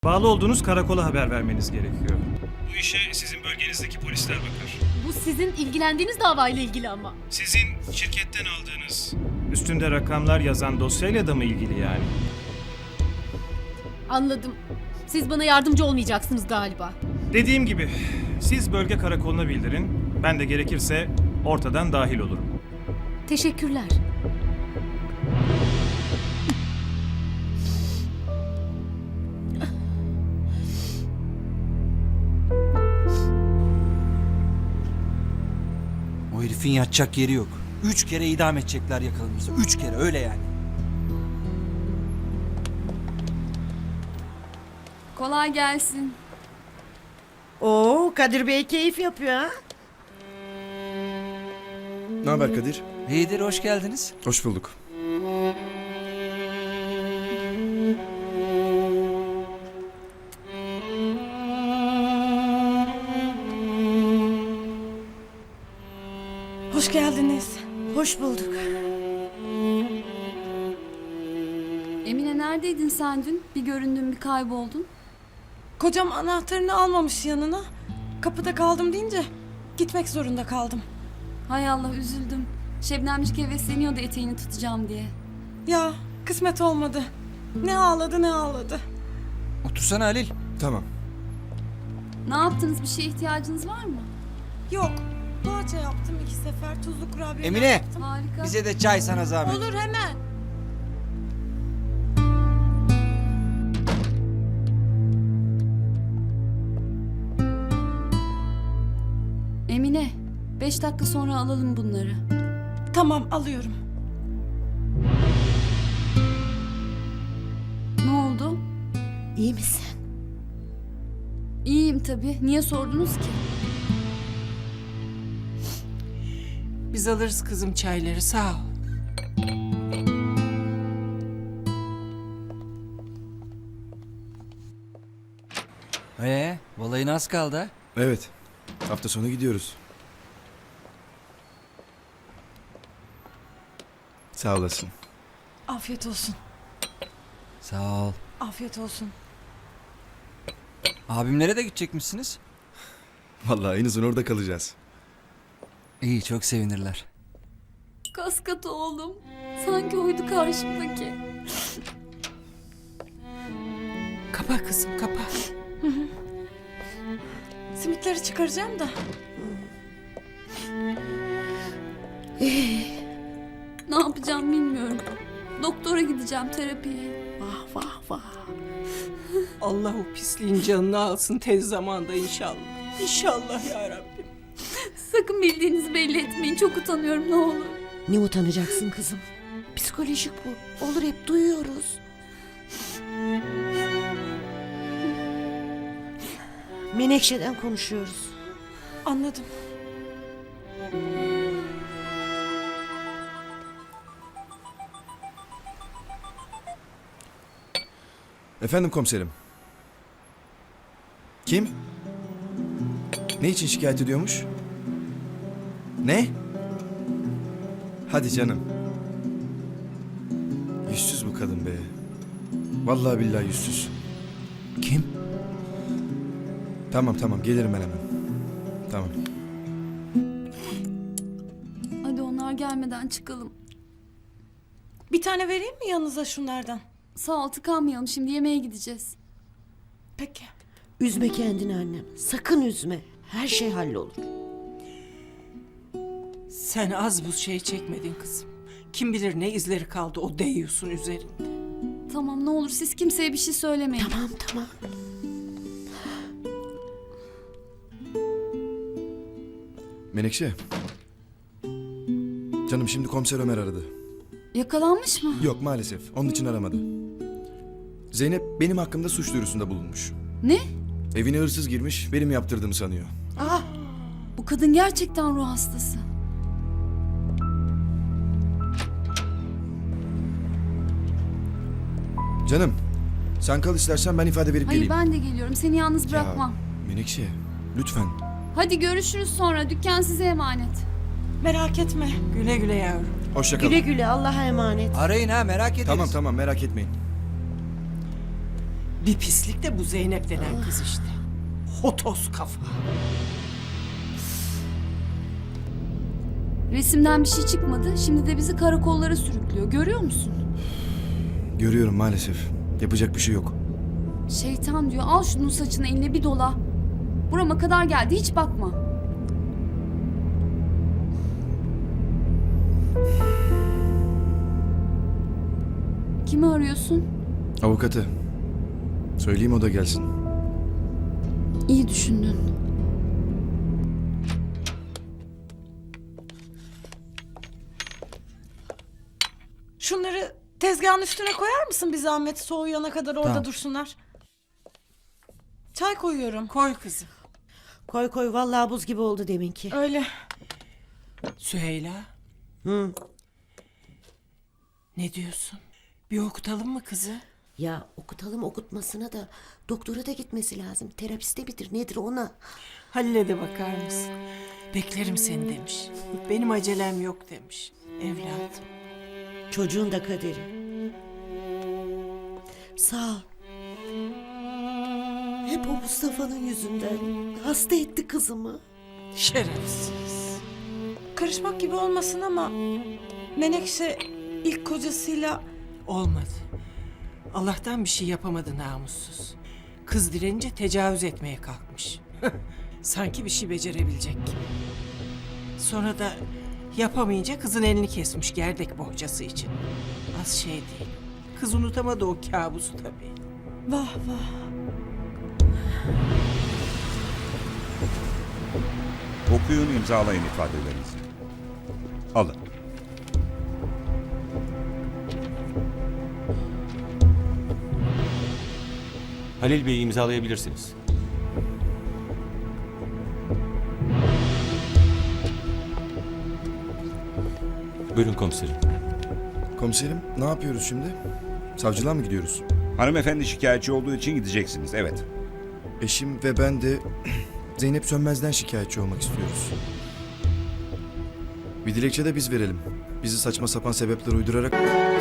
Bağlı olduğunuz karakola haber vermeniz gerekiyor. Bu işe sizin bölgenizdeki polisler bakar. Bu sizin ilgilendiğiniz davayla ilgili ama. Sizin şirketten aldığınız, üstünde rakamlar yazan dosyayla da mı ilgili yani? Anladım. Siz bana yardımcı olmayacaksınız galiba. Dediğim gibi, siz bölge karakoluna bildirin. Ben de gerekirse ortadan dahil olurum. Teşekkürler. O herifin yatacak yeri yok. 3 kere idam edecekler yakalanırsa. 3 kere öyle yani. Kolay gelsin. Oo, Kadir Bey keyif yapıyor ha. Ne haber Kadir? İyidir, hoş geldiniz. Hoş bulduk. Hoş geldiniz. Hoş bulduk. Emine neredeydin sen dün? Bir göründün bir kayboldun. Kocam anahtarını almamış yanına. Kapıda kaldım deyince gitmek zorunda kaldım. Hay Allah üzüldüm. Şebnemcik hevesleniyordu eteğini tutacağım diye. Ya kısmet olmadı. Ne ağladı ne ağladı. Otursana Halil. Tamam. Ne yaptınız? Bir şeye ihtiyacınız var mı? Yok. Poğaça yaptım 2 sefer. Tuzlu kurabiye Emine! yaptım. Harika. Bize de çay sana zahmet. Olur hemen. Emine 5 dakika sonra alalım bunları. Tamam alıyorum. Ne oldu? İyi misin? İyiyim tabii. Niye sordunuz ki? Biz alırız kızım çayları, sağ ol. Balayına az kaldı ha. Evet. Hafta sonu gidiyoruz. Sağ olasın. Afiyet olsun. Sağ ol. Afiyet olsun. Abimlere de gidecekmişsiniz. Vallahi en orada kalacağız. İyi, çok sevinirler. Kaskat oğlum. Sanki oydu karşımdaki. Kapa kızım, kapa. Simitleri çıkaracağım da. Ne yapacağım bilmiyorum. Doktora gideceğim terapiye. Vah vah vah. Allah o pisliğin canını alsın tez zamanda inşallah. İnşallah ya Rabbim. Sakın bildiğinizi belli etmeyin. Çok utanıyorum ne olur. Ne utanacaksın kızım? Psikolojik bu. Olur hep duyuyoruz. Menekşe'den konuşuyoruz. Anladım. Efendim komiserim. Kim? Ne için şikayet ediyormuş? Ne? Hadi canım. Yüzsüz bu kadın be. Vallahi billahi yüzsüz. Kim? Tamam gelirim ben hemen. Tamam. Hadi onlar gelmeden çıkalım. Bir tane vereyim mi yanınıza şunlardan? Sağ ol tıkanmayalım. Şimdi yemeğe gideceğiz. Peki. Üzme kendini annem. Sakın üzme. Her şey hallolur. Sen az bu şey çekmedin kızım. Kim bilir ne izleri kaldı o deyyusun üzerinde. Tamam ne olur siz kimseye bir şey söylemeyin. Tamam. Menekşe. Canım şimdi komiser Ömer aradı. Yakalanmış mı? Yok maalesef. Onun için aramadı. Zeynep benim hakkımda suç duyurusunda bulunmuş. Ne? Evine hırsız girmiş, benim yaptırdığımı sanıyor. Ah, Bu kadın gerçekten ruh hastası. Canım, sen kal istersen ben ifade verip Hayır geleyim. ben de geliyorum. Seni yalnız bırakmam. Ya, Menekşe, lütfen. Hadi görüşürüz sonra. Dükkan size emanet. Merak etme. Güle güle yavrum. Hoşça kal. güle güle Allah'a emanet. Arayın ha, merak ederiz. Tamam merak etmeyin. Bir pislik de bu Zeynep denen kız işte. Hotos kafa. Resimden bir şey çıkmadı. Şimdi de bizi karakollara sürüklüyor. Görüyor musun? Görüyorum maalesef. Yapacak bir şey yok. Şeytan diyor. Al şunun saçını eline bir dola. Burama kadar geldi. Hiç bakma. Kimi arıyorsun? Avukatı. Söyleyeyim o da gelsin. İyi düşündün. Şunları tezgahın üstüne koyar mısın bir zahmet? Soğuyana kadar orada Tamam. dursunlar. Çay koyuyorum. Koy kızım. Koy koy vallahi buz gibi oldu deminki. Öyle. Süheyla. Hı. Ne diyorsun? Bir okutalım mı kızı? Ya okutalım okutmasına da doktora da gitmesi lazım. Terapiste midir nedir ona? Halil'e de bakar mısın? Beklerim seni demiş. Benim acelem yok demiş. Evladım. Çocuğun da kaderi. Sağ ol. Hep o Mustafa'nın yüzünden. Hasta etti kızımı. Şerefsiz. Karışmak gibi olmasın ama Menekşe ilk kocasıyla Olmadı. Allah'tan bir şey yapamadı namussuz. Kız direnince tecavüz etmeye kalkmış. Sanki bir şey becerebilecek gibi. Sonra da yapamayınca kızın elini kesmiş gerdek bohçası için. Az şey değil. Kız unutamadı o kabusu tabii. vah vah. Okuyun, imzalayın ifadelerinizi. Alın. Halil Bey'i imzalayabilirsiniz. Buyurun komiserim. Komiserim ne yapıyoruz şimdi? Savcılığa mı gidiyoruz? Hanımefendi şikayetçi olduğu için gideceksiniz, evet. Eşim ve ben de Zeynep Sönmez'den şikayetçi olmak istiyoruz. Bir dilekçe de biz verelim. Bizi saçma sapan sebepler uydurarak